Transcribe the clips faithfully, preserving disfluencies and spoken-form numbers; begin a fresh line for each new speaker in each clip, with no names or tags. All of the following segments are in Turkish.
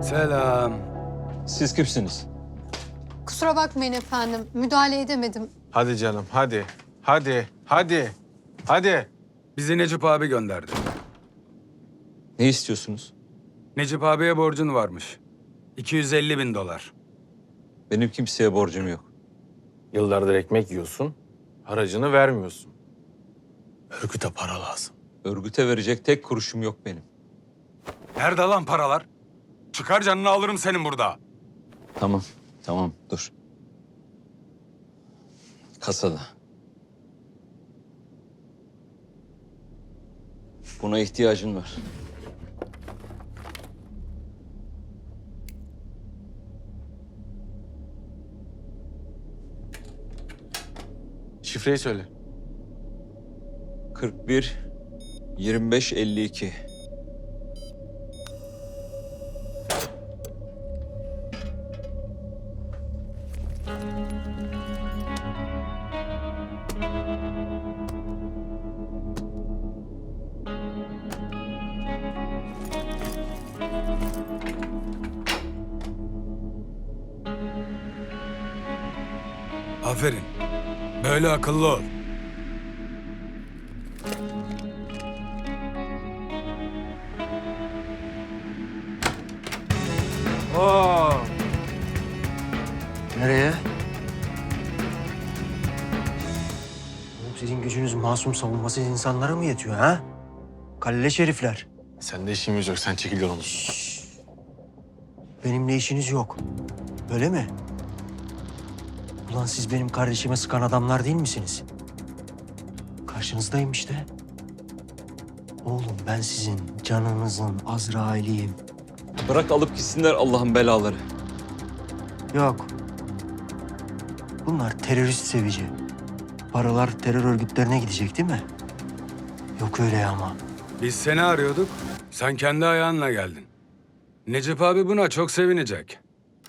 Selam.
Siz kimsiniz?
Kusura bakmayın efendim, müdahale edemedim.
Hadi canım, hadi. Hadi, hadi. Hadi.
Bizi Necip abi gönderdi.
Ne istiyorsunuz?
Necip abiye borcun varmış. iki yüz elli bin dolar.
Benim kimseye borcum yok.
Yıllardır ekmek yiyorsun, haracını vermiyorsun. Örgüte para lazım.
Örgüte verecek tek kuruşum yok benim.
Nerede lan paralar? Çıkar canını alırım senin burada.
Tamam, tamam dur. Kasada. Buna ihtiyacın var.
Şifreyi söyle.
kırk bir yirmi beş elli iki.
Aferin. Böyle akıllı ol.
Oo.
Nereye? Oğlum sizin gücünüz masum savunmasız insanlara mı yetiyor ha? Kalleş herifler.
Sende işimiz yok, sen çekil yolunu.
Benimle işiniz yok. Öyle mi? Ulan siz benim kardeşime sıkan adamlar değil misiniz? Karşınızdayım işte. Oğlum ben sizin canınızın Azrail'iyim.
Bırak alıp gitsinler Allah'ın belaları.
Yok. Bunlar terörist sevici. Paralar terör örgütlerine gidecek değil mi? Yok öyle ama.
Biz seni arıyorduk. Sen kendi ayağınla geldin. Necip abi buna çok sevinecek.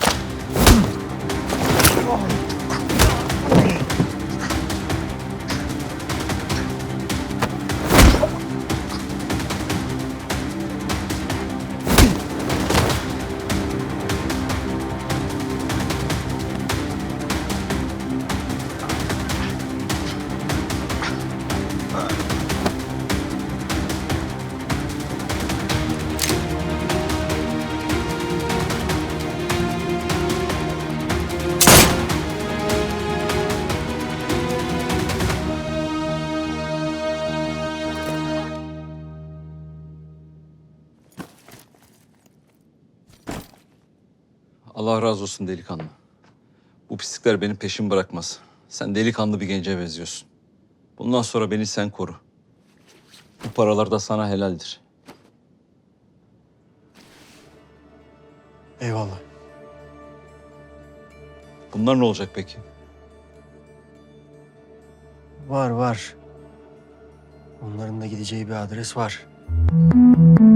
Allah razı olsun delikanlı. Bu pislikler benim peşimi bırakmaz. Sen delikanlı bir gence benziyorsun. Bundan sonra beni sen koru. Bu paralar da sana helaldir.
Eyvallah.
Bunlar ne olacak peki?
Var var. Onların da gideceği bir adres var.